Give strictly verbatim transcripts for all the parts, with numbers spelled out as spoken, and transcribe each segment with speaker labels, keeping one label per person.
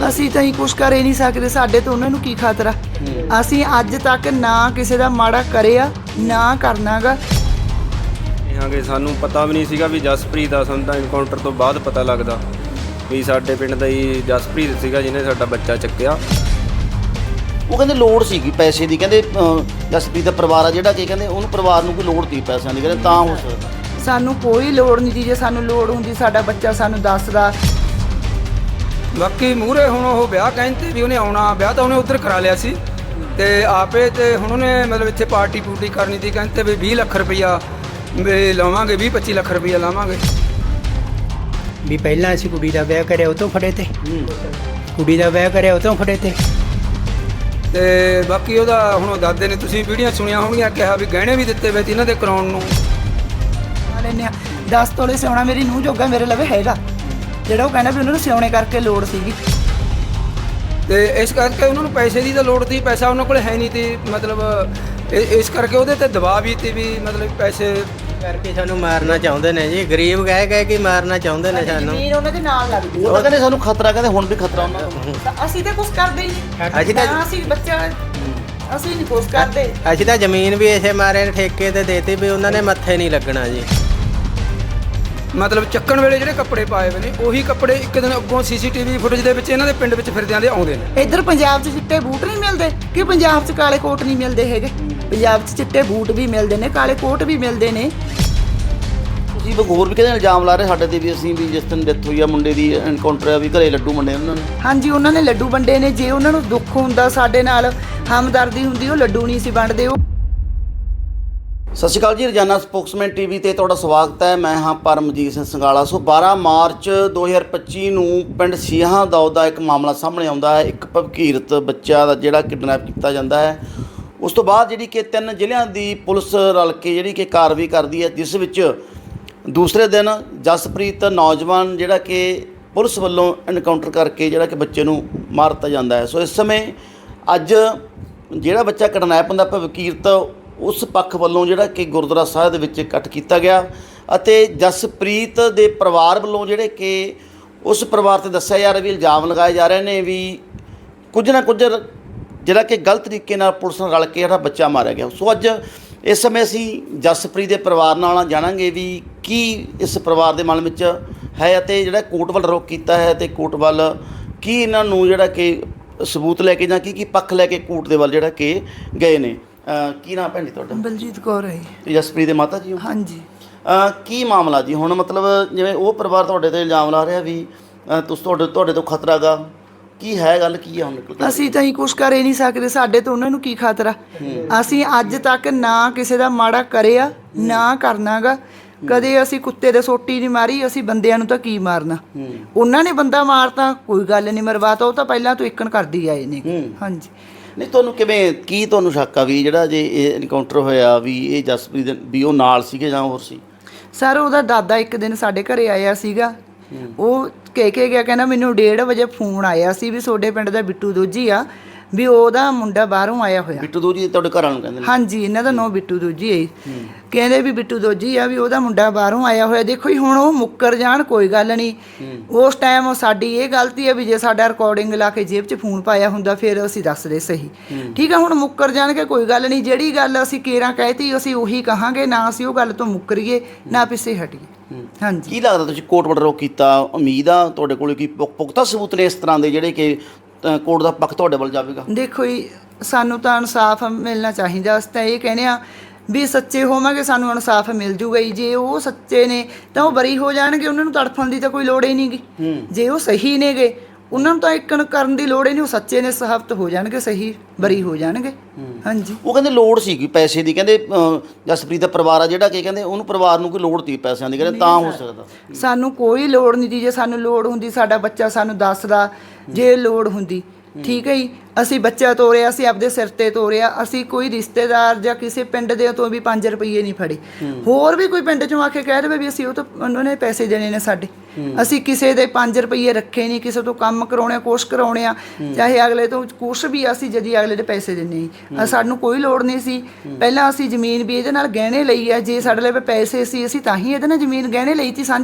Speaker 1: ਅਸੀਂ ਤਾਂ ਹੀ ਕੁਛ ਕਰ ਹੀ ਨਹੀਂ ਸਕਦੇ, ਸਾਡੇ ਤੋਂ ਉਹਨਾਂ ਨੂੰ ਕੀ ਖਤਰਾ। ਅਸੀਂ ਅੱਜ ਤੱਕ ਨਾ ਕਿਸੇ ਦਾ ਮਾੜਾ ਕਰਿਆ ਨਾ ਕਰਨਾਗਾ।
Speaker 2: ਹਾਂਗੇ ਸਾਨੂੰ ਪਤਾ ਵੀ ਨਹੀਂ ਸੀਗਾ ਵੀ ਜਸਪ੍ਰੀਤ ਦਾ, ਸਾਨੂੰ ਤਾਂ ਇਨਕਾਊਂਟਰ ਤੋਂ ਬਾਅਦ ਪਤਾ ਲੱਗਦਾ ਵੀ ਸਾਡੇ ਪਿੰਡ ਦਾ ਹੀ ਜਸਪ੍ਰੀਤ ਸੀਗਾ ਜਿਹਨੇ ਸਾਡਾ ਬੱਚਾ ਚੱਕਿਆ।
Speaker 3: ਉਹ ਕਹਿੰਦੇ ਲੋੜ ਸੀਗੀ ਪੈਸੇ ਦੀ, ਕਹਿੰਦੇ ਜਸਪ੍ਰੀਤ ਦਾ ਪਰਿਵਾਰ ਆ ਜਿਹੜਾ ਕਿ ਕਹਿੰਦੇ ਉਹਨੂੰ ਪਰਿਵਾਰ ਨੂੰ ਕੋਈ ਲੋੜ ਸੀ ਪੈਸਿਆਂ ਦੀ, ਕਹਿੰਦੇ ਤਾਂ ਹੋ ਸਕਦਾ।
Speaker 1: ਸਾਨੂੰ ਕੋਈ ਲੋੜ ਨਹੀਂ ਜੀ, ਜੇ ਸਾਨੂੰ ਲੋੜ ਹੁੰਦੀ ਸਾਡਾ ਬੱਚਾ ਸਾਨੂੰ ਦੱਸਦਾ।
Speaker 4: ਬਾਕੀ ਮੂਹਰੇ ਹੁਣ ਉਹ ਵਿਆਹ ਕਹਿੰਦੇ ਵੀ ਉਹਨੇ ਆਉਣਾ, ਵਿਆਹ ਤਾਂ ਉਹਨੇ ਉੱਧਰ ਕਰਾ ਲਿਆ ਸੀ ਤੇ ਆਪੇ ਤੇ ਹੁਣ ਉਹਨੇ ਮਤਲਬ ਇੱਥੇ ਪਾਰਟੀ ਪੂਰਟੀ ਕਰਨੀ ਸੀ, ਕਹਿੰਦੇ ਵੀ ਵੀਹ ਲੱਖ ਰੁਪਈਆ ਵੀ ਲਾਵਾਂਗੇ, ਵੀਹ ਪੱਚੀ ਲੱਖ ਰੁਪਈਆ ਲਾਵਾਂਗੇ।
Speaker 5: ਵੀ ਪਹਿਲਾਂ ਅਸੀਂ ਕੁੜੀ ਦਾ ਵਿਆਹ ਕਰਿਆ ਉਹ ਤੋਂ ਫੜੇ ਤੇ, ਕੁੜੀ ਦਾ ਵਿਆਹ ਕਰਿਆ ਉਹ ਤੋਂ ਫੜੇ ਤੇ।
Speaker 4: ਤੇ ਬਾਕੀ ਉਹਦਾ ਹੁਣ ਉਹ ਦਾਦੇ ਨੇ, ਤੁਸੀਂ ਵੀਡੀਓ ਸੁਣੀਆਂ ਹੋਣਗੀਆਂ, ਕਿਹਾ ਵੀ ਗਹਿਣੇ ਵੀ ਦਿੱਤੇ ਵੇ ਇਹਨਾਂ ਦੇ ਕਰਾਉਣ ਨੂੰ।
Speaker 1: ਲੈਂਦੇ ਹਾਂ ਦਸ ਤੋਲੇ ਸਿਉਣਾ ਮੇਰੀ ਨੂੰਹ ਜੋਗਾ ਮੇਰੇ ਲਵੇ ਹੈਗਾ, ਜਿਹੜਾ ਉਹ ਕਹਿੰਦਾ ਵੀ ਉਹਨਾਂ ਨੂੰ ਸਿਉਣੇ ਕਰਕੇ ਲੋੜ ਸੀਗੀ।
Speaker 4: ਤੇ ਇਸ ਕਰਕੇ ਉਹਨਾਂ ਨੂੰ ਪੈਸੇ ਦੀ ਤਾਂ ਲੋੜ ਸੀ, ਪੈਸਾ ਉਹਨਾਂ ਕੋਲ ਹੈ ਨਹੀਂ ਸੀ, ਮਤਲਬ ਇਹ- ਇਸ ਕਰਕੇ ਉਹਦੇ ਤੇ ਦਬਾਅ ਵੀ ਸੀ ਵੀ ਮਤਲਬ ਪੈਸੇ
Speaker 5: ਕਰਕੇ ਸਾਨੂੰ ਮਾਰਨਾ ਚਾਹੁੰਦੇ ਨੇ ਜੀ, ਗਰੀਬ ਗਏ ਗਏ ਕਿ ਮਾਰਨਾ ਚਾਹੁੰਦੇ ਨੇ ਸਾਨੂੰ।
Speaker 1: ਜ਼ਮੀਨ ਉਹਨਾਂ ਦੇ ਨਾਲ ਲੱਗਦੀ
Speaker 3: ਉਹ ਤਾਂ ਕਹਿੰਦੇ ਸਾਨੂੰ ਖਤਰਾ, ਕਹਿੰਦੇ ਹੁਣ ਵੀ ਖਤਰਾ ਉਹਨਾਂ ਨੂੰ।
Speaker 1: ਤਾਂ ਅਸੀਂ ਤਾਂ ਕੁਛ ਕਰਦੇ ਹੀ ਨਹੀਂ।
Speaker 5: ਅਸੀਂ ਤਾਂ
Speaker 1: ਨਾ ਅਸੀਂ ਬੱਚਾ ਅਸੀਂ ਨਹੀਂ ਕੁਛ ਕਰਦੇ।
Speaker 5: ਅਸੀਂ ਤਾਂ ਜ਼ਮੀਨ ਵੀ ਇਸੇ ਮਾਰੇ ਠੇਕੇ ਤੇ ਦੇਤੀ ਵੀ ਉਹਨਾਂ ਨੇ ਮੱਥੇ ਨਹੀਂ ਲੱਗਣਾ ਜੀ।
Speaker 4: ਮਤਲਬ ਚੱਕਣ ਵੇਲੇ ਜਿਹੜੇ ਕੱਪੜੇ ਪਾਏ ਹੋਏ ਨੇ ਉਹੀ ਕੱਪੜੇ ਇੱਕ ਦਿਨ ਅੱਗੋਂ ਸੀਸੀਟੀਵੀ ਫੁਟੇਜ ਦੇ ਵਿੱਚ ਇਹਨਾਂ ਦੇ ਪਿੰਡ ਵਿੱਚ ਫਿਰਦਿਆਂ ਦੇ ਆਉਂਦੇ ਨੇ।
Speaker 1: ਇੱਧਰ ਪੰਜਾਬ 'ਚ ਚਿੱਟੇ ਬੂਟ ਨਹੀਂ ਮਿਲਦੇ ਕਿ ਪੰਜਾਬ 'ਚ ਕਾਲੇ ਕੋਟ ਨਹੀਂ ਮਿਲਦੇ ਹੈਗੇ? ਪੰਜਾਬ 'ਚ ਚਿੱਟੇ ਬੂਟ ਵੀ ਮਿਲਦੇ ਨੇ, ਕਾਲੇ ਕੋਟ ਵੀ ਮਿਲਦੇ ਨੇ।
Speaker 3: ਤੁਸੀਂ ਹੋਰ ਵੀ ਕਹਿੰਦੇ ਇਲਜ਼ਾਮ ਲਾ ਰਹੇ ਸਾਡੇ ਤੇ ਵੀ ਅਸੀਂ ਵੀ ਜਿਸ ਦਿਨ ਡੈਥ ਹੋਈ ਆ ਮੁੰਡੇ ਦੀ ਐਨਕਾਊਂਟਰ ਆ ਵੀ ਘਰੇ ਲੱਡੂ ਵੰਡੇ ਉਹਨਾਂ ਨੇ।
Speaker 1: ਹਾਂਜੀ ਉਹਨਾਂ ਨੇ ਲੱਡੂ ਵੰਡੇ ਨੇ। ਜੇ ਉਹਨਾਂ ਨੂੰ ਦੁੱਖ ਹੁੰਦਾ ਸਾਡੇ ਨਾਲ ਹਮਦਰਦੀ ਹੁੰਦੀ ਉਹ ਲੱਡੂ ਨਹੀਂ ਸੀ ਵੰਡਦੇ। ਉਹ
Speaker 3: ਸਤਿ ਸ਼੍ਰੀ ਅਕਾਲ ਜੀ, ਰੋਜ਼ਾਨਾ ਸਪੋਕਸਮੈਨ ਟੀਵੀ ਤੇ ਤੁਹਾਡਾ ਸਵਾਗਤ ਹੈ। ਮੈਂ ਹਾਂ ਪਰਮਜੀਤ ਸਿੰਘ ਸੰਗਾਲਾ। ਸੋ ਬਾਰਾਂ ਮਾਰਚ ਦੋ ਹਜ਼ਾਰ ਪੱਚੀ ਨੂੰ ਪਿੰਡ ਸੀਹਾਂ ਦੌਦ ਦਾ ਇੱਕ ਮਾਮਲਾ ਸਾਹਮਣੇ ਆਉਂਦਾ ਹੈ। ਇੱਕ ਭਵਕੀਰਤ ਬੱਚਾ ਦਾ ਜਿਹੜਾ ਕਿਡਨੈਪ ਕੀਤਾ ਜਾਂਦਾ ਹੈ। ਉਸ ਤੋਂ ਬਾਅਦ ਜਿਹੜੀ ਕਿ ਤਿੰਨ ਜ਼ਿਲ੍ਹਿਆਂ ਦੀ ਪੁਲਿਸ ਰਲ ਕੇ ਜਿਹੜੀ ਕਿ ਕਾਰਵਾਈ ਕਰਦੀ ਹੈ, ਜਿਸ ਵਿੱਚ ਦੂਸਰੇ ਦਿਨ ਜਸਪ੍ਰੀਤ ਨੌਜਵਾਨ ਜਿਹੜਾ ਕਿ ਪੁਲਿਸ ਵੱਲੋਂ ਐਨਕਾਊਂਟਰ ਕਰਕੇ ਜਿਹੜਾ ਕਿ ਬੱਚੇ ਨੂੰ ਮਾਰ ਦਿੱਤਾ ਜਾਂਦਾ ਹੈ। ਸੋ ਇਸ ਸਮੇਂ ਅੱਜ ਜਿਹੜਾ ਬੱਚਾ ਕਿਡਨੈਪ ਹੁੰਦਾ ਭਵਕੀਰਤ, ਉਸ ਪੱਖ ਵੱਲੋਂ ਜਿਹੜਾ ਕਿ ਗੁਰਦੁਆਰਾ ਸਾਹਿਬ ਦੇ ਵਿੱਚ ਇਕੱਠ ਕੀਤਾ ਗਿਆ ਅਤੇ ਜਸਪ੍ਰੀਤ ਦੇ ਪਰਿਵਾਰ ਵੱਲੋਂ ਜਿਹੜੇ ਕਿ ਉਸ ਪਰਿਵਾਰ 'ਤੇ ਦੱਸਿਆ ਜਾ ਰਿਹਾ ਵੀ ਇਲਜ਼ਾਮ ਲਗਾਏ ਜਾ ਰਹੇ ਨੇ ਵੀ ਕੁਝ ਨਾ ਕੁਝ ਜਿਹੜਾ ਕਿ ਗਲਤ ਤਰੀਕੇ ਨਾਲ ਪੁਲਿਸ ਨਾਲ ਰਲ ਕੇ ਜਿਹੜਾ ਬੱਚਾ ਮਾਰਿਆ ਗਿਆ। ਸੋ ਅੱਜ ਇਸ ਸਮੇਂ ਅਸੀਂ ਜਸਪ੍ਰੀਤ ਦੇ ਪਰਿਵਾਰ ਨਾਲ ਜਾਣਾਂਗੇ ਵੀ ਕੀ ਇਸ ਪਰਿਵਾਰ ਦੇ ਮਨ ਵਿੱਚ ਹੈ ਅਤੇ ਜਿਹੜਾ ਕੋਰਟ ਵੱਲ ਰੁਖ ਕੀਤਾ ਹੈ ਅਤੇ ਕੋਰਟ ਵੱਲ ਕੀ ਇਹਨਾਂ ਨੂੰ ਜਿਹੜਾ ਕਿ ਸਬੂਤ ਲੈ ਕੇ ਜਾਂ ਕੀ ਕੀ ਪੱਖ ਲੈ ਕੇ ਕੋਰਟ ਦੇ ਵੱਲ ਜਿਹੜਾ ਕਿ ਗਏ ਨੇ। ਕੀ ਨਾਮ ਭੈਣ ਜੀ ਤੁਹਾਡਾ?
Speaker 1: ਬਲਜੀਤ ਕੌਰ ਹੈ।
Speaker 3: ਤੇ ਜਸਪ੍ਰੀਤ ਦੇ ਮਾਤਾ ਜੀ ਹੋ?
Speaker 1: ਹਾਂਜੀ।
Speaker 3: ਕੀ ਮਾਮਲਾ ਜੀ ਹੁਣ? ਮਤਲਬ ਜਿਵੇਂ ਉਹ ਪਰਿਵਾਰ ਤੁਹਾਡੇ 'ਤੇ ਇਲਜ਼ਾਮ ਲਾ ਰਿਹਾ ਵੀ ਤੁਸੀਂ ਤੁਹਾਡੇ ਤੁਹਾਡੇ ਤੋਂ ਖਤਰਾ ਗਾ, ਕੀ ਹੈ ਗੱਲ ਕੀ ਹੈ ਹੁਣ?
Speaker 1: ਅਸੀਂ ਤਾਂ ਹੀ ਕੁਛ ਕਰ ਹੀ ਨਹੀਂ ਸਕਦੇ, ਸਾਡੇ ਤੋਂ ਉਹਨਾਂ ਨੂੰ ਕੀ ਖਤਰਾ। ਅਸੀਂ ਅੱਜ ਤੱਕ ਨਾ ਕਿਸੇ ਦਾ ਮਾੜਾ ਕਰਿਆ ਨਾ ਕਰਨਾਗਾ। ਕਦੇ ਅਸੀਂ ਕੁੱਤੇ ਦੇ ਸੋਟੀ ਨਹੀਂ ਮਾਰੀ, ਅਸੀਂ ਬੰਦਿਆਂ ਨੂੰ ਤਾਂ ਕੀ ਮਾਰਨਾ। ਉਹਨਾਂ ਨੇ ਬੰਦਾ ਮਾਰਤਾ, ਕੋਈ ਗੱਲ ਨਹੀਂ, ਮਰਵਾਤਾ। ਉਹ ਤਾਂ ਪਹਿਲਾਂ ਤੋਂ ਇੱਕਣ ਕਰਦੀ ਆਏ ਨੇ। ਹਾਂਜੀ।
Speaker 3: ਨਹੀਂ ਤੁਹਾਨੂੰ ਕਿਵੇਂ, ਕੀ ਤੁਹਾਨੂੰ ਸ਼ੱਕ ਆ ਵੀ ਜਿਹੜਾ ਜੇ ਇਹ ਐਨਕਾਊਂਟਰ ਹੋਇਆ ਵੀ ਇਹ ਜਸਪ੍ਰੀਤ ਵੀ ਉਹ ਨਾਲ ਸੀਗੇ ਜਾਂ ਹੋਰ ਸੀ?
Speaker 1: ਸਰ ਉਹਦਾ ਦਾਦਾ ਇੱਕ ਦਿਨ ਸਾਡੇ ਘਰੇ ਆਇਆ ਸੀਗਾ। ਉਹ ਕਹਿ ਕੇ ਗਿਆ, ਕਹਿੰਦਾ ਮੈਨੂੰ ਡੇਢ ਵਜੇ ਫੋਨ ਆਇਆ ਸੀ ਵੀ ਤੁਹਾਡੇ ਪਿੰਡ ਦਾ ਬਿੱਟੂ ਦੋਜੀ ਆ, ਵੀ ਉਹਦਾ ਮੁੰਡਾ ਬਾਹਰੋਂ ਆਇਆ ਹੋਇਆ।
Speaker 3: ਬਿੱਟੂ ਦੋਜੀ ਤੁਹਾਡੇ ਘਰਾਂ ਨੂੰ ਕਹਿੰਦੇ ਨੇ? ਹਾਂਜੀ,
Speaker 1: ਇਹਨਾਂ ਦਾ ਨਾਂ ਬਿੱਟੂ ਦੋਜੀ ਹੈ। ਕਹਿੰਦੇ ਵੀ ਬਿੱਟੂ ਦੋਜੀ ਆ ਵੀ ਉਹਦਾ ਮੁੰਡਾ ਬਾਹਰੋਂ ਆਇਆ ਹੋਇਆ। ਦੇਖੋ ਜੀ ਹੁਣ ਉਹ ਮੁੱਕਰ ਜਾਣ ਕੋਈ ਗੱਲ ਨਹੀਂ, ਉਸ ਟਾਈਮ ਸਾਡੀ ਇਹ ਗਲਤੀ ਹੈ ਵੀ ਜੇ ਸਾਡਾ ਰਿਕਾਰਡਿੰਗ ਲਾ ਕੇ ਜੇਬ 'ਚ ਫੋਨ ਪਾਇਆ ਹੁੰਦਾ ਫਿਰ ਅਸੀਂ ਦੱਸਦੇ ਸਹੀ। ਠੀਕ ਆ, ਹੁਣ ਮੁੱਕਰ ਜਾਣਗੇ ਕੋਈ ਗੱਲ ਨਹੀਂ। ਜਿਹੜੀ ਗੱਲ ਅਸੀਂ ਕੇਰਾਂ ਕਹਿਤੀ ਅਸੀਂ ਉਹੀ ਕਹਾਂਗੇ, ਨਾ ਅਸੀਂ ਉਹ ਗੱਲ ਤੋਂ ਮੁੱਕਰੀਏ ਨਾ ਪਿੱਛੇ ਹਟੀਏ। ਹਾਂਜੀ।
Speaker 3: ਕੀ ਲੱਗਦਾ ਤੁਸੀਂ ਕੋਰਟ ਵੱਲੋਂ ਕੀਤਾ? ਉਮੀਦ ਆ ਤੁਹਾਡੇ ਕੋਲ ਕੀ ਪੁਖਤਾ ਸਬੂਤ ਨੇ ਇਸ ਤਰ੍ਹਾਂ ਦੇ ਜਿਹੜੇ ਕਿ ਕੋਰਟ ਦਾ ਪੱਖ ਤੁਹਾਡੇ ਵੱਲ ਜਾਵੇਗਾ?
Speaker 1: ਦੇਖੋ ਜੀ ਸਾਨੂੰ ਤਾਂ ਇਨਸਾਫ ਮਿਲਣਾ ਚਾਹੀਦਾ। ਅਸੀਂ ਤਾਂ ਇਹ ਕਹਿੰਦੇ ਆ ਵੀ ਸੱਚੇ ਹੋਵਾਂਗੇ ਸਾਨੂੰ ਇਨਸਾਫ ਮਿਲ ਜੂਗਾ ਜੀ। ਜੇ ਉਹ ਸੱਚੇ ਨੇ ਤਾਂ ਉਹ ਬਰੀ ਹੋ ਜਾਣਗੇ, ਉਹਨਾਂ ਨੂੰ ਤੜਫਣ ਦੀ ਤਾਂ ਕੋਈ ਲੋੜ ਹੀ ਨਹੀਂ ਗੀ। ਜੇ ਉਹ ਸਹੀ ਨੇਗੇ ਉਹਨਾਂ ਨੂੰ ਤਾਂ ਇੱਕਣ ਕਰਨ ਦੀ ਲੋੜ ਹੀ ਨਹੀਂ। ਉਹ ਸੱਚੇ ਨੇ, ਸਾਬਤ ਹੋ ਜਾਣਗੇ, ਸਹੀ ਬਰੀ ਹੋ ਜਾਣਗੇ। ਹਾਂਜੀ।
Speaker 3: ਉਹ ਕਹਿੰਦੇ ਲੋੜ ਸੀਗੀ ਪੈਸੇ ਦੀ, ਕਹਿੰਦੇ ਜਸਪ੍ਰੀਤ ਦਾ ਪਰਿਵਾਰ ਆ ਜਿਹੜਾ ਕਿ ਕਹਿੰਦੇ ਉਹਨੂੰ ਪਰਿਵਾਰ ਨੂੰ ਕੋਈ ਲੋੜ ਸੀ ਪੈਸਿਆਂ ਦੀ, ਕਹਿੰਦੇ ਤਾਂ ਹੋ ਸਕਦਾ।
Speaker 1: ਸਾਨੂੰ ਕੋਈ ਲੋੜ ਨਹੀਂ ਦੀ। ਜੇ ਸਾਨੂੰ ਲੋੜ ਹੁੰਦੀ ਸਾਡਾ ਬੱਚਾ ਸਾਨੂੰ ਦੱਸਦਾ, ਜੇ ਲੋੜ ਹੁੰਦੀ। ਠੀਕ ਹੈ ਜੀ, ਅਸੀਂ ਬੱਚਾ ਤੋਰਿਆ, ਅਸੀਂ ਆਪਦੇ ਸਿਰ 'ਤੇ ਤੋਰਿਆ। ਅਸੀਂ ਕੋਈ ਰਿਸ਼ਤੇਦਾਰ ਜਾਂ ਕਿਸੇ ਪਿੰਡ ਦੇ ਤੋਂ ਵੀ ਪੰਜ ਰੁਪਈਏ ਨਹੀਂ ਫੜੇ। ਹੋਰ ਵੀ ਕੋਈ ਪਿੰਡ 'ਚੋਂ ਆ ਕੇ ਕਹਿ ਦੇਵੇ ਵੀ ਅਸੀਂ ਉਹ ਤੋਂ ਉਹਨਾਂ ਨੇ ਪੈਸੇ ਦੇਣੇ ਨੇ ਸਾਡੇ, ਅਸੀਂ ਕਿਸੇ ਦੇ ਪੰਜ ਰੁਪਈਏ ਰੱਖੇ ਨਹੀਂ। ਕਿਸੇ ਤੋਂ ਕੰਮ ਕਰਾਉਣੇ, ਕੁਛ ਕਰਾਉਣੇ ਆ, ਚਾਹੇ ਅਗਲੇ ਤੋਂ ਕੁਛ ਵੀ, ਅਸੀਂ ਜਦੀ ਅਗਲੇ ਦੇ ਪੈਸੇ ਦਿੰਦੇ ਸੀ। ਸਾਨੂੰ ਕੋਈ ਲੋੜ ਨਹੀਂ ਸੀ। ਪਹਿਲਾਂ ਅਸੀਂ ਜ਼ਮੀਨ ਵੀ ਇਹਦੇ ਨਾਲ ਗਹਿਣੇ ਲਈ ਆ। ਜੇ ਸਾਡੇ ਲਈ ਪੈਸੇ ਸੀ ਅਸੀਂ ਤਾਂ ਹੀ ਇਹਦੇ ਨਾਲ ਜ਼ਮੀਨ ਗਹਿਣੇ ਲਈ ਸੀ ਸਾਂਝੀ।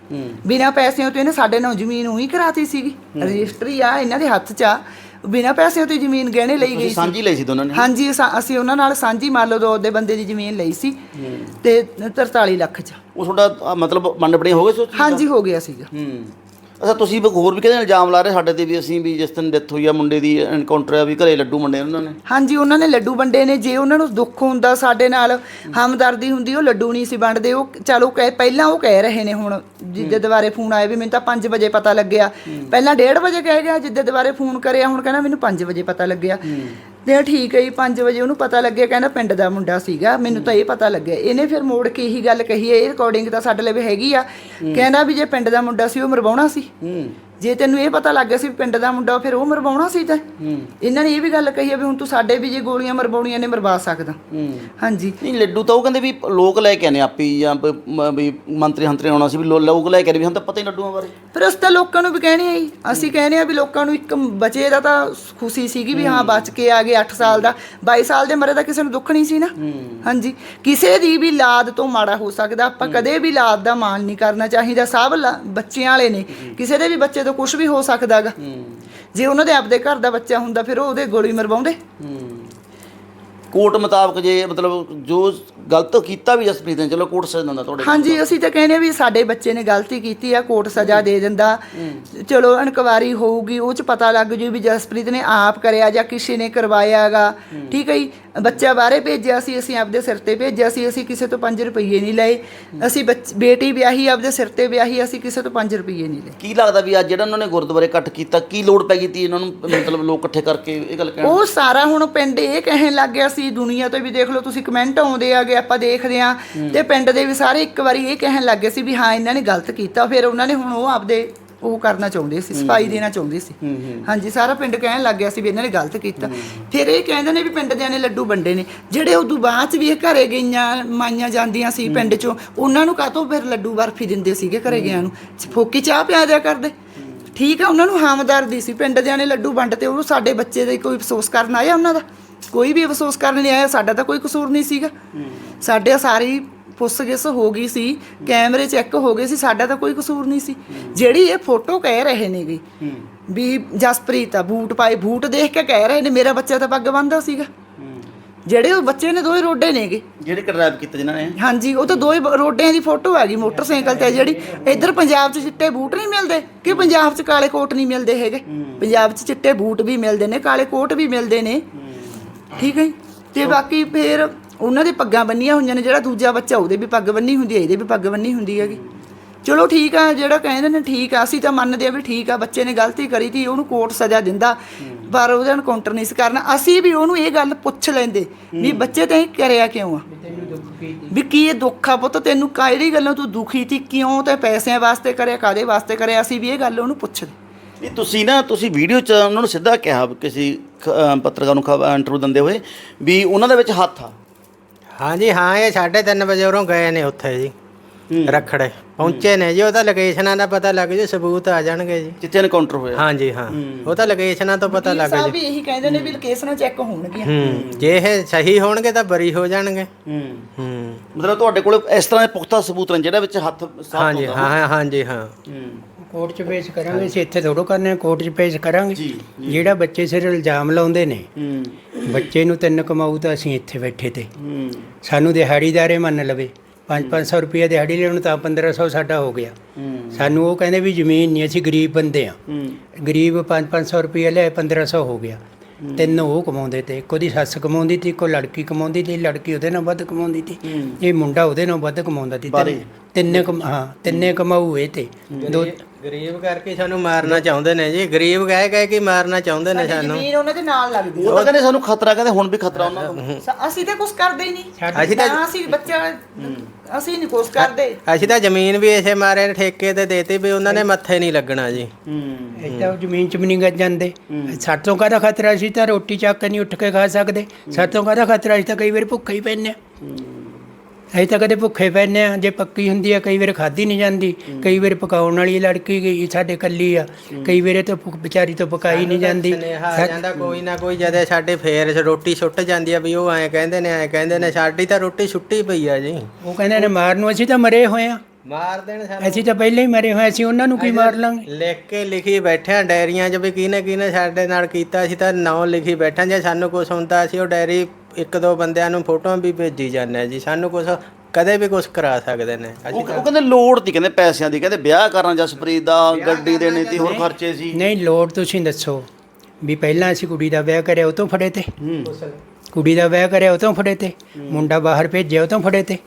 Speaker 1: ਬਿਨਾਂ ਪੈਸਿਆਂ ਤੋਂ ਇਹਨੇ ਸਾਡੇ ਨਾਲ ਜ਼ਮੀਨ ਉਹੀ ਕਰਾਤੀ ਸੀਗੀ, ਰਜਿਸਟਰੀ ਆ ਇਹਨਾਂ ਦੇ ਹੱਥ 'ਚ ਆ, ਬਿਨਾਂ ਪੈਸਿਆਂ ਤੋਂ ਜ਼ਮੀਨ ਗਹਿਣੇ ਲਈ ਗਈ
Speaker 3: ਤੁਸੀਂ
Speaker 1: ਸੀ।
Speaker 3: ਸਾਂਝੀ ਲਈ ਸੀ ਦੋਨਾਂ ਨੇ?
Speaker 1: ਹਾਂਜੀ, ਅਸਾਂ- ਅਸੀਂ ਉਹਨਾਂ ਨਾਲ ਸਾਂਝੀ ਮੰਨ ਲਓ ਦੋ ਦੇ ਬੰਦੇ ਦੀ ਜ਼ਮੀਨ ਲਈ ਸੀ ਤੇ ਤਰਤਾਲੀ ਲੱਖ 'ਚ।
Speaker 3: ਉਹ ਤੁਹਾਡਾ ਅ, ਮਤਲਬ ਮੰਡ ਬਣੇ ਹੋ ਗਏ ਸੀ ਉਸ ਚੀਜ਼ ਦਾ?
Speaker 1: ਹਾਂਜੀ ਹੋ ਗਿਆ ਸੀਗਾ।
Speaker 3: ਹੂੰ। ਅੱਛਾ, ਤੁਸੀਂ ਵੀ ਹੋਰ ਵੀ ਕਹਿੰਦੇ ਇਲਜ਼ਾਮ ਲਾ ਰਹੇ ਸਾਡੇ ਤੇ ਵੀ ਅਸੀਂ ਵੀ ਜਿਸ ਦਿਨ ਡੈਥ ਹੋਈ ਆ ਮੁੰਡੇ ਦੀ ਐਨਕਾਊਂਟਰ ਆ ਵੀ ਘਰੇ ਲੱਡੂ ਵੰਡੇ ਉਹਨਾਂ ਨੇ?
Speaker 1: ਹਾਂਜੀ, ਉਹਨਾਂ ਨੇ ਲੱਡੂ ਵੰਡੇ ਨੇ। ਜੇ ਉਹਨਾਂ ਨੂੰ ਦੁੱਖ ਹੁੰਦਾ ਸਾਡੇ ਨਾਲ ਹਮਦਰਦੀ ਹੁੰਦੀ ਉਹ ਲੱਡੂ ਨਹੀਂ ਸੀ ਵੰਡਦੇ। ਉਹ ਚਲੋ ਕਹਿ ਪਹਿਲਾਂ ਉਹ ਕਹਿ ਰਹੇ ਨੇ, ਹੁਣ ਜਿੱਦੇ ਦੁਬਾਰੇ ਫੋਨ ਆਇਆ ਵੀ ਮੈਨੂੰ ਤਾਂ ਪੰਜ ਵਜੇ ਪਤਾ ਲੱਗਿਆ, ਪਹਿਲਾਂ ਡੇਢ ਵਜੇ ਕਹਿ ਗਿਆ, ਜਿੱਦੇ ਦੁਬਾਰੇ ਫੋਨ ਕਰਿਆ ਹੁਣ ਕਹਿੰਦਾ ਮੈਨੂੰ ਪੰਜ ਵਜੇ ਪਤਾ ਲੱਗਿਆ। ਤੇ ਠੀਕ ਹੈ ਜੀ, ਪੰਜ ਵਜੇ ਉਹਨੂੰ ਪਤਾ ਲੱਗਿਆ, ਕਹਿੰਦਾ ਪਿੰਡ ਦਾ ਮੁੰਡਾ ਸੀਗਾ, ਮੈਨੂੰ ਤਾਂ ਇਹ ਪਤਾ ਲੱਗਿਆ। ਇਹਨੇ ਫਿਰ ਮੋੜ ਕੇ ਇਹੀ ਗੱਲ ਕਹੀ ਹੈ, ਇਹ ਰਿਕਾਰਡਿੰਗ ਤਾਂ ਸਾਡੇ ਲਈ ਹੈਗੀ ਆ, ਕਹਿੰਦਾ ਵੀ ਜੇ ਪਿੰਡ ਦਾ ਮੁੰਡਾ ਸੀ ਉਹ ਮਰਵਾਉਣਾ ਸੀ, ਜੇ ਤੈਨੂੰ ਇਹ ਪਤਾ ਲੱਗ ਗਿਆ ਸੀ ਪਿੰਡ ਦਾ ਮੁੰਡਾ ਫਿਰ ਉਹ ਮਰਵਾਉਣਾ ਸੀ। ਤਾਂ ਇਹਨਾਂ ਨੇ ਇਹ ਵੀ ਗੱਲ ਕਹੀ ਹੈ ਵੀ ਹੁਣ ਤੂੰ ਸਾਡੇ ਵੀ ਜੇ ਗੋਲੀਆਂ ਮਰਵਾਉਣੀਆਂ ਨੇ ਮਰਵਾ ਸਕਦਾ। ਹਾਂਜੀ,
Speaker 3: ਨਹੀਂ ਲੱਡੂ ਤਾਂ ਉਹ ਕਹਿੰਦੇ ਵੀ ਲੋਕ ਲੈ ਕੇ ਆਨੇ ਆਪੀ ਜਾਂ ਬ- ਮ- ਵੀ ਮੰਤਰੀ ਹੰਤਰੀ ਆਉਣਾ ਸੀ ਵੀ ਲੋ- ਲੋਕ ਲੈ ਕੇ ਆਨੇ ਵੀ ਹੁਣ ਤਾਂ ਪਤਾ ਹੀ ਲੱਡੂਆਂ ਬਾਰੇ।
Speaker 1: ਫਿਰ ਅਸੀਂ ਤਾਂ ਲੋਕਾਂ ਨੂੰ ਵੀ ਕਹਿਣੇ ਆ ਜੀ, ਅਸੀਂ ਕਹਿੰਦੇ ਆ ਵੀ ਲੋਕਾਂ ਨੂੰ ਇੱਕ ਬਚੇ ਦਾ ਤਾਂ ਖੁਸ਼ੀ ਸੀਗੀ ਵੀ ਹਾਂ ਬਚ ਕੇ ਆ ਗਏ, ਅੱਠ ਸਾਲ ਦਾ ਬਾਈ ਸਾਲ ਦੇ ਮਰੇ ਦਾ ਕਿਸੇ ਨੂੰ ਦੁੱਖ ਨਹੀਂ ਸੀ ਨਾ। ਹਾਂਜੀ, ਕਿਸੇ ਦੀ ਵੀ ਲਾਦ ਤੋਂ ਮਾੜਾ ਹੋ ਸਕਦਾ, ਆਪਾਂ ਕਦੇ ਵੀ ਲਾਦ ਦਾ ਮਾਣ ਨਹੀਂ ਕਰਨਾ ਚਾਹੀਦਾ। ਸਭ ਲਾ- ਬੱਚਿਆਂ ਵਾਲੇ ਨੇ, ਕਿਸੇ ਦੇ ਵੀ ਬੱਚੇ ਤੋਂ ਕੁਝ ਵੀ ਹੋ ਸਕਦਾ ਗਾ। ਜੇ ਉਹਨਾਂ ਦੇ ਆਪਦੇ ਘਰ ਦਾ ਬੱਚਾ ਹੁੰਦਾ ਫਿਰ ਉਹ ਉਹਦੇ ਗੋਲੀ ਮਰਵਾਉਂਦੇ।
Speaker 3: ਕੋਰਟ ਮੁਤਾਬਕ ਜੇ ਮਤਲਬ ਜੋ ਗਲਤ ਕੀਤਾ ਵੀ ਜਸਪ੍ਰੀਤ ਨੇ, ਚਲੋ ਕੋਰਟ ਸਜ਼ਾ ਦਿੰਦਾ ਤੁਹਾਡੇ?
Speaker 1: ਹਾਂਜੀ, ਅਸੀਂ ਤਾਂ ਕਹਿੰਦੇ ਵੀ ਸਾਡੇ ਬੱਚੇ ਨੇ ਗਲਤੀ ਕੀਤੀ ਆ, ਕੋਰਟ ਸਜ਼ਾ ਦੇ ਦਿੰਦਾ। ਚਲੋ ਇਨਕੁਆਇਰੀ ਹੋਊਗੀ, ਉਹ 'ਚ ਪਤਾ ਲੱਗ ਜੂ ਵੀ ਜਸਪ੍ਰੀਤ ਨੇ ਆਪ ਕਰਿਆ ਜਾਂ ਕਿਸੇ ਨੇ ਕਰਵਾਇਆ ਹੈਗਾ। ਠੀਕ ਹੈ ਜੀ, ਬੱਚਾ ਬਾਹਰੇ ਭੇਜਿਆ ਸੀ, ਅਸੀਂ ਆਪਦੇ ਸਿਰ ਤੇ ਭੇਜਿਆ ਸੀ, ਅਸੀਂ ਕਿਸੇ ਤੋਂ ਪੰਜ ਰੁਪਈਏ ਨਹੀਂ ਲਏ। ਅਸੀਂ ਬੱਚ ਬੇਟੀ ਵਿਆਹੀ ਆਪਦੇ ਸਿਰ ਤੇ ਵਿਆਹੀ, ਅਸੀਂ ਕਿਸੇ ਤੋਂ ਪੰਜ ਰੁਪਈਏ ਨਹੀਂ ਲਏ।
Speaker 3: ਕੀ ਲੱਗਦਾ ਵੀ ਅੱਜ ਜਿਹੜਾ ਉਹਨਾਂ ਨੇ ਗੁਰਦੁਆਰੇ ਇਕੱਠ ਕੀਤਾ, ਕੀ ਲੋੜ ਪੈ ਗਈ ਤੀ ਇਹਨਾਂ ਨੂੰ ਮਤਲਬ ਲੋਕ ਇਕੱਠੇ ਕਰਕੇ ਇਹ ਗੱਲ ਕਹਿਣ?
Speaker 1: ਉਹ ਸਾਰਾ ਹੁਣ ਪਿੰਡ ਇਹ ਕਹਿਣ ਲੱਗ ਗਿਆ ਸੀ, ਦੁਨੀਆ ਤੋਂ ਵੀ ਦੇਖ ਲਓ ਤੁਸੀਂ ਕਮੈਂਟ ਆਉਂਦੇ ਆਗੇ, ਆਪਾਂ ਦੇਖਦੇ ਆ, ਤੇ ਪਿੰਡ ਦੇ ਵੀ ਸਾਰੇ ਇੱਕ ਵਾਰੀ ਇਹ ਕਹਿਣ ਲੱਗ ਗਏ ਸੀ ਵੀ ਹਾਂ ਇਹਨਾਂ ਨੇ ਗਲਤ ਕੀਤਾ। ਫਿਰ ਉਹਨਾਂ ਨੇ ਹੁਣ ਉਹ ਆਪਦੇ ਉਹ ਕਰਨਾ ਚਾਹੁੰਦੇ ਸੀ, ਸਫਾਈ ਦੇਣਾ ਚਾਹੁੰਦੇ ਸੀ। ਹਾਂਜੀ, ਸਾਰਾ ਪਿੰਡ ਕਹਿਣ ਲੱਗ ਗਿਆ ਸੀ ਵੀ ਇਹਨਾਂ ਨੇ ਗਲਤ ਕੀਤਾ। ਫਿਰ ਇਹ ਕਹਿੰਦੇ ਨੇ ਵੀ ਪਿੰਡ ਦਿਆਂ ਨੇ ਲੱਡੂ ਵੰਡੇ ਨੇ, ਜਿਹੜੇ ਉਦੋਂ ਬਾਅਦ 'ਚ ਵੀ ਇਹ ਘਰੇ ਗਈਆਂ ਮਾਈਆਂ ਜਾਂਦੀਆਂ ਸੀ ਪਿੰਡ 'ਚੋਂ, ਉਹਨਾਂ ਨੂੰ ਕਾਹਤੋਂ ਫਿਰ ਲੱਡੂ ਬਰਫੀ ਦਿੰਦੇ ਸੀਗੇ ਘਰੇ ਗਿਆਂ ਨੂੰ, ਫੋਕੀ ਚਾਹ ਪਿਆ ਦਿਆ ਕਰਦੇ। ਠੀਕ ਆ, ਉਹਨਾਂ ਨੂੰ ਹਮਦਰਦੀ ਸੀ, ਪਿੰਡ ਦਿਆਂ ਨੇ ਲੱਡੂ ਵੰਡ ਤੇ ਉਹ ਸਾਡੇ ਬੱਚੇ ਦਾ ਕੋਈ ਅਫਸੋਸ ਕਰਨ ਆਇਆ? ਉਹਨਾਂ ਦਾ ਕੋਈ ਵੀ ਅਫਸੋਸ ਕਰਨ ਨਹੀਂ ਆਇਆ। ਸਾਡਾ ਤਾਂ ਕੋਈ ਕਸੂਰ ਨਹੀਂ ਸੀਗਾ, ਸਾਡੇ ਸਾਰੀ ਪੁੱਛ-ਗਿੱਛ ਹੋ ਗਈ ਸੀ, ਕੈਮਰੇ ਚੈੱਕ ਹੋ ਗਏ ਸੀ, ਸਾਡਾ ਤਾਂ ਕੋਈ ਕਸੂਰ ਨਹੀਂ ਸੀ। ਜਿਹੜੀ ਇਹ ਫੋਟੋ ਕਹਿ ਰਹੇ ਨੇਗੇ ਵੀ ਜਸਪ੍ਰੀਤ ਆ ਬੂਟ ਪਾਏ, ਬੂਟ ਦੇਖ ਕੇ ਕਹਿ ਰਹੇ ਨੇ ਮੇਰਾ ਬੱਚਾ ਤਾਂ ਪੱਗ ਬੰਨ੍ਹਦਾ ਸੀਗਾ। ਜਿਹੜੇ ਉਹ ਬੱਚੇ ਨੇ ਦੋਏ ਰੋਡੇ ਨੇਗੇ,
Speaker 3: ਜਿਹੜੇ ਕਿਡਨੈਪ ਕੀਤੇ ਜਿਨ੍ਹਾਂ ਨੇ?
Speaker 1: ਹਾਂਜੀ, ਉਹ ਤਾਂ ਦੋਏ ਰੋਡਿਆਂ ਦੀ ਫੋਟੋ ਹੈਗੀ ਮੋਟਰਸਾਈਕਲ ਤੇ। ਜਿਹੜੀ ਇੱਧਰ ਪੰਜਾਬ 'ਚ ਚਿੱਟੇ ਬੂਟ ਨਹੀਂ ਮਿਲਦੇ ਕਿ ਪੰਜਾਬ 'ਚ ਕਾਲੇ ਕੋਟ ਨਹੀਂ ਮਿਲਦੇ ਹੈਗੇ? ਪੰਜਾਬ 'ਚ ਚਿੱਟੇ ਬੂਟ ਵੀ ਮਿਲਦੇ ਨੇ, ਕਾਲੇ ਕੋਟ ਵੀ ਮਿਲਦੇ ਨੇ। ਠੀਕ ਹੈ ਜੀ, ਤੇ ਬਾਕੀ ਫਿਰ ਉਹਨਾਂ ਦੇ ਪੱਗਾਂ ਬੰਨੀਆਂ ਹੋਈਆਂ ਨੇ। ਜਿਹੜਾ ਦੂਜਾ ਬੱਚਾ ਉਹਦੇ ਵੀ ਪੱਗ ਬੰਨੀ ਹੁੰਦੀ ਹੈ, ਇਹਦੇ ਵੀ ਪੱਗ ਬੰਨੀ ਹੁੰਦੀ ਹੈਗੀ। ਚਲੋ ਠੀਕ ਆ, ਜਿਹੜਾ ਕਹਿੰਦੇ ਨੇ ਠੀਕ ਆ, ਅਸੀਂ ਤਾਂ ਮੰਨਦੇ ਆ ਵੀ ਠੀਕ ਆ, ਬੱਚੇ ਨੇ ਗਲਤੀ ਕਰੀ ਤੀ, ਉਹਨੂੰ ਕੋਰਟ ਸਜ਼ਾ ਦਿੰਦਾ, ਪਰ ਉਹਦਾ ਐਨਕਾਊਂਟਰ ਨਹੀਂ ਸੀ ਕਰਨਾ। ਅਸੀਂ ਵੀ ਉਹਨੂੰ ਇਹ ਗੱਲ ਪੁੱਛ ਲੈਂਦੇ ਵੀ ਬੱਚੇ ਤੈਂ ਇਹ ਕਰਿਆ ਕਿਉਂ ਆ, ਵੀ ਕੀ ਇਹ ਦੁੱਖ ਆ ਪੁੱਤ ਤੈਨੂੰ, ਕਿਹੜੀ ਗੱਲੋਂ ਤੂੰ ਦੁਖੀ ਤੀ, ਕਿਉਂ ਤੇ ਪੈਸਿਆਂ ਵਾਸਤੇ ਕਰਿਆ, ਕਾਹਦੇ ਵਾਸਤੇ ਕਰਿਆ? ਅਸੀਂ ਵੀ ਇਹ ਗੱਲ ਉਹਨੂੰ ਪੁੱਛਦੇ।
Speaker 3: ਨਹੀਂ, ਤੁਸੀਂ ਨਾ ਤੁਸੀਂ ਵੀਡੀਓ 'ਚ ਉਹਨਾਂ ਨੂੰ ਸਿੱਧਾ ਕਿਹਾ ਕਿਸੇ ਖ- ਅ, ਪੱਤਰਕਾਰ ਨੂੰ ਇੰਟਰਵਿਊ ਦਿੰਦੇ ਹੋਏ ਵੀ ਉਹਨਾਂ ਦੇ ਵਿੱਚ ਹੱਥ ਆ।
Speaker 5: ਹਾਂਜੀ ਹਾਂ, ਇਹ ਸਾਢੇ ਤਿੰਨ ਵਜੇ ਉਰੋਂ ਗਏ ਨੇ ਉੱਥੇ ਜੀ, ਰਖੜੇ ਪਹੁੰਚੇ ਨੇ ਜੀ। ਉਹ ਤਾਂ ਲੋਕੇਸ਼ਨਾਂ ਦਾ ਪਤਾ ਲੱਗ ਜੀ, ਸਬੂਤ ਆ ਜਾਣਗੇ ਜੀ
Speaker 3: ਜਿੱਥੇ ਐਨਕਾਊਂਟਰ ਹੋਇਆ।
Speaker 5: ਹਾਂਜੀ ਹਾਂ, ਉਹ ਤਾਂ ਲੋਕੇਸ਼ਨਾਂ ਤੋਂ ਪਤਾ ਲੱਗ
Speaker 1: ਸਾਹਿਬ
Speaker 5: ਜੀ।
Speaker 1: ਵੀ ਇਹੀ ਕਹਿੰਦੇ ਨੇ ਵੀ ਲੋਕੇਸ਼ਨਾਂ ਚੈੱਕ ਹੋਣਗੀਆਂ।
Speaker 5: ਹੂੰ, ਜੇ ਇਹ ਸਹੀ ਹੋਣਗੇ ਤਾਂ ਬਰੀ ਹੋ ਜਾਣਗੇ।
Speaker 3: ਹੂੰ
Speaker 5: ਹੂੰ,
Speaker 3: ਮਤਲਬ ਤੁਹਾਡੇ ਕੋਲ ਇਸ ਤਰ੍ਹਾਂ ਦੇ ਪੁਖਤਾ ਸਬੂਤ ਨੇ ਜਿਹੜਾ ਵਿੱਚ ਹੱਥ ਸਾਫ਼
Speaker 5: ਹਾਂਜੀ
Speaker 3: ਹੁੰਦਾ?
Speaker 5: ਹਾਂ ਹਾਂ ਹਾਂਜੀ ਹਾਂ।
Speaker 3: ਹੂੰ
Speaker 5: ਕੋਰਟ 'ਚ ਪੇਸ਼ ਕਰਾਂਗੇ, ਅਸੀਂ ਇੱਥੇ ਥੋੜੋ ਕਰਨੇ, ਕੋਰਟ 'ਚ ਪੇਸ਼ ਕਰਾਂਗੇ।
Speaker 3: ਜੀ,
Speaker 5: ਜਿਹੜਾ ਬੱਚੇ ਸਿਰ ਇਲਜ਼ਾਮ ਲਾਉਂਦੇ ਨੇ,
Speaker 3: ਹੂੰ
Speaker 5: ਬੱਚੇ ਨੂੰ ਤਿੰਨ ਕਮਾਊ ਤਾਂ ਅਸੀਂ ਇੱਥੇ ਬੈਠੇ ਤੇ
Speaker 3: ਹੂੰ
Speaker 5: ਸਾਨੂੰ ਦਿਹਾੜੀਦਾਰੇ ਮੰਨ ਲਵੇ, ਪੰਜ ਪੰਜ ਸੌ ਰੁਪਏ ਦਿਹਾੜੀ ਲੈਣ ਤਾਂ ਪੰਦਰਾਂ ਸੌ ਸਾਡਾ ਹੋ ਗਿਆ।
Speaker 3: ਹੂੰ
Speaker 5: ਸਾਨੂੰ ਉਹ ਕਹਿੰਦੇ ਵੀ ਜ਼ਮੀਨ ਨਹੀਂ, ਅਸੀਂ ਗਰੀਬ ਬੰਦੇ ਆ,
Speaker 3: ਹੂੰ
Speaker 5: ਗਰੀਬ ਪੰਜ ਪੰਜ ਸੌ ਰੁਪਏ ਲੈ ਪੰਦਰਾਂ ਸੌ ਹੋ ਗਿਆ। ਤਿੰਨ ਉਹ ਕਮਾਉਂਦੇ ਤੇ, ਇੱਕ ਉਹਦੀ ਸੱਸ ਕਮਾਉਂਦੀ ਤੀ, ਇੱਕੋ ਲੜਕੀ ਕਮਾਉਂਦੀ ਤੀ, ਲੜਕੀ ਉਹਦੇ ਨਾਲ ਵੱਧ ਕਮਾਉਂਦੀ ਤੀ, ਇਹ ਮੁੰਡਾ ਉਹਦੇ ਨਾਲ ਵੱਧ ਕਮਾਉਂਦਾ ਤੀ। ਤਿੰਨ- ਤਿੰਨੇ ਕਮ ਹਾਂ ਤਿੰਨੇ ਕਮਾਊ ਇਹ ਤੇ ਦੋ। ਗਰੀਬ ਕਰਕੇ ਸਾਨੂੰ ਮਾਰਨਾ ਚਾਹੁੰਦੇ ਨੇ ਜੀ, ਗਰੀਬ ਕਹਿ ਕਹਿ ਕੇ ਮਾਰਨਾ ਚਾਹੁੰਦੇ ਨੇ ਸਾਨੂੰ।
Speaker 1: ਜ਼ਮੀਨ ਉਹਨਾਂ ਦੇ ਨਾਲ ਲੱਗਦੀ
Speaker 3: ਉਹ ਤਾਂ ਕਹਿੰਦੇ ਸਾਨੂੰ ਖਤਰਾ, ਕਹਿੰਦੇ ਹੁਣ ਵੀ ਖਤਰਾ ਉਹਨਾਂ ਨੂੰ।
Speaker 1: ਸ- ਅਸੀਂ ਤਾਂ ਕੁਛ ਕਰਦੇ ਹੀ ਨਹੀਂ,
Speaker 5: ਅਸੀਂ ਤਾਂ
Speaker 1: ਨਾ ਅਸੀਂ ਬੱਚਾ ਅਸੀਂ ਨਹੀਂ ਕੁਛ ਕਰਦੇ।
Speaker 5: ਅਸੀਂ ਤਾਂ ਜ਼ਮੀਨ ਵੀ ਇਸੇ ਮਾਰੇ ਠੇਕੇ ਤੇ ਦੇਤੀ ਵੀ ਉਹਨਾਂ ਨੇ ਮੱਥੇ ਨਹੀਂ ਲੱਗਣਾ ਜੀ।
Speaker 3: ਹੂੰ
Speaker 5: ਇੱਦਾਂ ਉਹ ਜ਼ਮੀਨ 'ਚ ਵੀ ਨਹੀਂ ਗੱਜ ਜਾਂਦੇ। ਸਾਡੇ ਤੋਂ ਕਾਹਦਾ ਖਤਰਾ ਸੀ, ਤਾਂ ਰੋਟੀ ਚੱਕ ਕੇ ਨਹੀਂ ਉੱਠ ਕੇ ਖਾ ਸਕਦੇ। ਸਾਡੇ ਤੋਂ ਕਾਹਦਾ ਖਤਰਾ ਸੀ, ਤਾਂ ਕਈ ਵਾਰ ਭੁੱਖੇ ਹੀ ਪੈਂਦੇ ਆ। ਅਸੀਂ ਤਾਂ ਕਦੇ ਭੁੱਖੇ ਪੈਂਦੇ ਆ, ਜੇ ਪੱਕੀ ਹੁੰਦੀ ਆ ਕਈ ਵਾਰ ਖਾਧੀ ਨਹੀਂ ਜਾਂਦੀ, ਕਈ ਵਾਰ ਪਕਾਉਣ ਵਾਲੀ ਲੜਕੀ ਗਈ ਸਾਡੇ ਇਕੱਲੀ ਆ, ਕਈ ਵਾਰ ਤਾਂ ਵਿਚਾਰੀ ਤੋਂ ਪਕਾਈ ਨਹੀਂ ਜਾਂਦੀ। ਜਾਂਦਾ ਕੋਈ ਨਾ ਕੋਈ ਜਦੇ ਸਾਡੇ ਫੇਰ ਰੋਟੀ ਸੁੱਟ ਜਾਂਦੀ ਆ ਵੀ ਉਹ ਐਂ ਕਹਿੰਦੇ ਨੇ ਐਂ ਕਹਿੰਦੇ ਨੇ, ਸਾਡੀ ਤਾਂ ਰੋਟੀ ਸੁੱਟੀ ਪਈ ਆ ਜੀ। ਉਹ ਕਹਿੰਦੇ ਨੇ ਮਾਰਨ ਨੂੰ, ਅਸੀਂ ਤਾਂ ਮਰੇ ਹੋਏ ਆ,
Speaker 6: ਮਾਰ ਦੇਣ ਸਾਨੂੰ
Speaker 5: ਅਸੀਂ ਤਾਂ ਪਹਿਲਾਂ ਹੀ ਮਰੇ ਹੋਏ, ਅਸੀਂ ਉਹਨਾਂ ਨੂੰ ਕੀ ਮਾਰ ਲਾਂਗੇ।
Speaker 6: ਲਿਖ ਕੇ ਲਿਖੀ ਬੈਠੇ ਆ ਡਾਇਰੀਆਂ 'ਚ ਵੀ ਕਿਹਨੇ ਕਿਹਨੇ ਸਾਡੇ ਨਾਲ ਕੀਤਾ, ਅਸੀਂ ਤਾਂ ਨਾਂ ਲਿਖੀ ਬੈਠੇ। ਜੇ ਸਾਨੂੰ ਕੁਝ ਹੁੰਦਾ ਅਸੀਂ ਉਹ ਡਾਇਰੀ ਇੱਕ ਦੋ ਬੰਦਿਆਂ ਨੂੰ ਫੋਟੋਆਂ ਵੀ ਭੇਜੀ ਜਾਂਦੇ ਆ ਜੀ। ਸਾਨੂੰ ਕੁਝ ਕਦੇ ਵੀ ਕੁਝ ਕਰਾ ਸਕਦੇ ਨੇ
Speaker 3: ਉਹ
Speaker 6: ਅਸੀਂ
Speaker 3: ਉਹ ਕਹਿੰਦੇ ਲੋੜ ਤੀ, ਕਹਿੰਦੇ ਪੈਸਿਆਂ ਦੀ, ਕਹਿੰਦੇ ਵਿਆਹ ਕਰਨਾ ਜਸਪ੍ਰੀਤ ਦਾ, ਗੱਡੀ ਦੇਣੀ ਤੀ, ਹੋਰ ਖਰਚੇ ਸੀ।
Speaker 5: ਨਹੀਂ ਲੋੜ ਤੁਸੀਂ ਦੱਸੋ ਵੀ ਪਹਿਲਾਂ ਅਸੀਂ ਕੁੜੀ ਦਾ ਵਿਆਹ ਕਰਿਆ ਉਹ ਤੋਂ ਫੜੇ ਤੇ,
Speaker 3: ਹੂੰ
Speaker 5: ਕੁੜੀ ਦਾ ਵਿਆਹ ਕਰਿਆ ਉਹ ਤੋਂ ਫੜੇ ਤੇ, ਮੁੰਡਾ ਬਾਹਰ ਭੇਜਿਆ ਉਹ ਤੋਂ ਫੜੇ ਤੇ,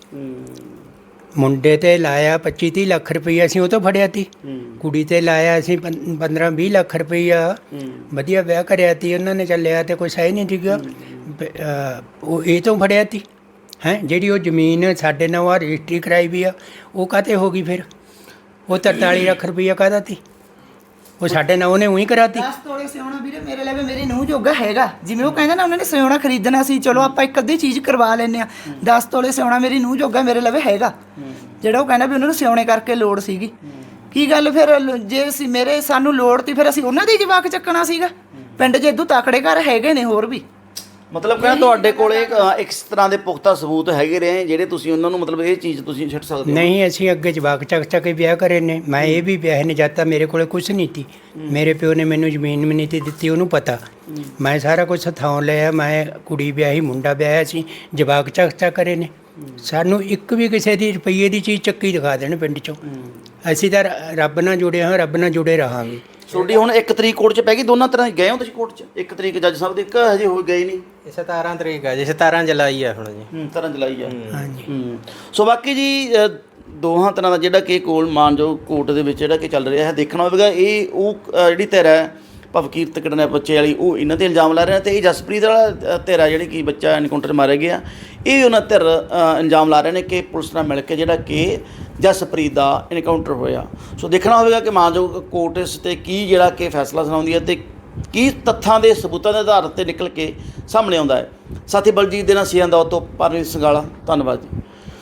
Speaker 5: ਮੁੰਡੇ ਤੇ ਲਾਇਆ ਪੱਚੀ ਤੀਹ ਲੱਖ ਰੁਪਈਆ ਅਸੀਂ ਉਹ ਤੋਂ ਫੜਿਆ ਤੀ, ਕੁੜੀ ਤੇ ਲਾਇਆ ਅਸੀਂ ਪੰਦਰਾਂ ਵੀਹ ਲੱਖ ਰੁਪਈਆ, ਵਧੀਆ ਵਿਆਹ ਕਰਿਆ ਤੀ ਉਹਨਾਂ ਨੇ, ਚੱਲਿਆ ਤੇ ਕੁਛ ਹੈ ਨਹੀਂ ਸੀਗਾ, ਬ- ਅਹ ਉਹ ਇਹ ਤੋਂ ਫੜਿਆ ਤੀ ਹੈ। ਜਿਹੜੀ ਉਹ ਜ਼ਮੀਨ ਸਾਡੇ ਨਾਲ ਆ ਰਜਿਸਟਰੀ ਕਰਾਈ ਵੀ ਆ ਉਹ ਕਾਹਤੇ ਹੋ ਗਈ ਫਿਰ? ਉਹ ਤਰਤਾਲੀ ਲੱਖ ਰੁਪਈਆ ਕਾਹਦਾ ਤੀ? ਉਹ ਸਾਡੇ ਨਾਲ ਉਹਨੇ ਉਹੀ ਕਰਾਤੀ।
Speaker 1: ਦਸ ਤੋਲੇ ਸਿਉਣਾ ਵੀਰੇ ਮੇਰੇ ਲਈ ਮੇਰੀ ਨੂੰਹ ਜੋਗਾ ਹੈਗਾ, ਜਿਵੇਂ ਉਹ ਕਹਿੰਦਾ ਨਾ ਉਹਨਾਂ ਨੇ ਸਿਉਣਾ ਖਰੀਦਣਾ ਸੀ, ਚਲੋ ਆਪਾਂ ਇੱਕ ਅੱਧੀ ਚੀਜ਼ ਕਰਵਾ ਲੈਂਦੇ ਆ। ਦਸ ਤੋਲੇ ਸਿਉਣਾ ਮੇਰੀ ਨੂੰਹ ਜੋਗਾ ਮੇਰੇ ਲਈ ਹੈਗਾ, ਜਿਹੜਾ ਉਹ ਕਹਿੰਦਾ ਵੀ ਉਹਨਾਂ ਨੂੰ ਸਿਉਣੇ ਕਰਕੇ ਲੋੜ ਸੀਗੀ। ਕੀ ਗੱਲ ਫਿਰ ਲ- ਜੇ ਅਸੀਂ ਮੇਰੇ ਸਾਨੂੰ ਲੋੜ ਤੀ ਫਿਰ ਅਸੀਂ ਉਹਨਾਂ ਦੇ ਜਵਾਕ ਚੱਕਣਾ ਸੀਗਾ। ਪਿੰਡ 'ਚ ਇਦੋਂ ਤਕੜੇ ਘਰ ਹੈਗੇ ਨੇ ਹੋਰ ਵੀ।
Speaker 3: ਮਤਲਬ ਕਹਿੰਦਾ ਤੁਹਾਡੇ ਕੋਲੇ ਇੱਕ ਇੱਕ ਤਰ੍ਹਾਂ ਦੇ ਪੁਖਤਾ ਸਬੂਤ ਹੈਗੇ ਰਹੇ ਜਿਹੜੇ ਤੁਸੀਂ ਉਹਨਾਂ ਨੂੰ ਮਤਲਬ ਇਹ ਚੀਜ਼ ਤੁਸੀਂ ਛੱਡ ਸਕਦੇ ਹੋ।
Speaker 5: ਨਹੀਂ ਅਸੀਂ ਅੱਗੇ ਜਵਾਕ ਚੱਕ ਚੱਕ ਕੇ ਵਿਆਹ ਕਰੇ ਨੇ। ਮੈਂ ਇਹ ਵੀ ਵਿਆਹ ਨਹੀਂ ਜਾਤਾ, ਮੇਰੇ ਕੋਲੇ ਕੁਛ ਨਹੀਂ ਤੀ। ਮੇਰੇ ਪਿਓ ਨੇ ਮੈਨੂੰ ਜ਼ਮੀਨ ਵੀ ਨਹੀਂ ਤੀ ਦਿੱਤੀ, ਉਹਨੂੰ ਪਤਾ। ਮੈਂ ਸਾਰਾ ਕੁਝ ਹੱਥੋਂ ਲਿਆ, ਮੈਂ ਕੁੜੀ ਵਿਆਹੀ, ਮੁੰਡਾ ਵਿਆਹਿਆ ਸੀ, ਜਵਾਕ ਚੱਕ ਚੱਕ ਕਰੇ ਨੇ। ਸਾਨੂੰ ਇੱਕ ਵੀ ਕਿਸੇ ਦੀ ਰੁਪਈਏ ਦੀ ਚੀਜ਼ ਚੱਕੀ ਦਿਖਾ ਦੇਣ ਪਿੰਡ 'ਚੋਂ। ਅਸੀਂ ਤਾਂ ਰ- ਰੱਬ ਨਾਲ ਜੁੜੇ ਹਾਂ, ਰੱਬ ਨਾਲ ਜੁੜੇ ਰਹਾਂਗੇ।
Speaker 3: ਤੁਹਾਡੀ ਹੁਣ ਇੱਕ ਤਰੀਕ ਕੋਰਟ 'ਚ ਪੈ ਗਈ, ਦੋਨਾਂ ਤਰ੍ਹਾਂ ਗਏ ਹੋ ਤੁਸੀਂ ਕੋਰਟ 'ਚ? ਇੱਕ ਤਰੀਕ ਜੱਜ ਸਾਹਿਬ ਦੀ, ਇੱਕ ਹਜੇ ਹੋ ਗਈ ਨਹੀਂ?
Speaker 6: ਇਹ ਸਤਾਰਾਂ ਤਰੀਕ ਆ ਜੀ, ਸਤਾਰਾਂ ਜੁਲਾਈ ਆ ਹੁਣ ਜੀ।
Speaker 3: ਹੂੰ ਤਰ੍ਹਾਂ ਜਲਾਈ ਆ।
Speaker 5: ਹਾਂਜੀ
Speaker 3: ਹੂੰ ਸੋ ਬਾਕੀ ਜੀ ਅ, ਦੋਹਾਂ ਤਰ੍ਹਾਂ ਦਾ ਜਿਹੜਾ ਕਿ ਕੋਲ ਮਾਨਯੋਗ ਕੋਰਟ ਦੇ ਵਿੱਚ ਜਿਹੜਾ ਕਿ ਚੱਲ ਰਿਹਾ ਹੈ, ਦੇਖਣਾ ਹੋਵੇਗਾ। ਇਹ ਉਹ ਅ, ਜਿਹੜੀ ਧਿਰ ਹੈ ਭਵਕੀਰਤ ਕਿਡਨੈ ਬੱਚੇ ਵਾਲੀ, ਉਹ ਇਹਨਾਂ ਤੇ ਇਲਜ਼ਾਮ ਲਾ ਰਹੇ ਨੇ, ਤੇ ਇਹ ਜਸਪ੍ਰੀਤ ਵਾਲਾ ਅ, ਧਿਰ ਹੈ ਜਿਹੜੀ ਕਿ ਬੱਚਾ ਐਨਕਾਊਂਟਰ 'ਚ ਮਾਰਿਆ ਗਿਆ, ਇਹ ਵੀ ਉਹਨਾਂ ਧਿਰ ਅ, ਇਲਜ਼ਾਮ ਲਾ ਰਹੇ ਨੇ ਕਿ ਪੁਲਿਸ ਨਾਲ ਮਿਲ ਕੇ ਜਿਹੜਾ ਕਿ ਜਸਪ੍ਰੀਤ ਦਾ ਐਨਕਾਊਂਟਰ ਹੋਇਆ। ਸੋ ਦੇਖਣਾ ਹੋਵੇਗਾ ਕਿ ਮਾਨਯੋਗ ਕੋਰਟ ਇਸ 'ਤੇ ਕੀ ਜਿਹੜਾ ਕਿ ਫੈਸਲਾ ਸੁਣਾਉਂਦੀ ਹੈ ਤੇ ਕੀ ਤੱਥਾਂ ਦੇ ਸਬੂਤਾਂ ਦੇ ਆਧਾਰ 'ਤੇ ਨਿਕਲ ਕੇ ਸਾਹਮਣੇ ਆਉਂਦਾ ਹੈ। ਸਾਥੀ ਬਲਜੀਤ ਦੇ ਨਾਲ ਸੀਐਨ ਦਾ ਤੋਂ ਪਰਮਜੀਤ ਸੰਗਾਲਾ, ਧੰਨਵਾਦ ਜੀ।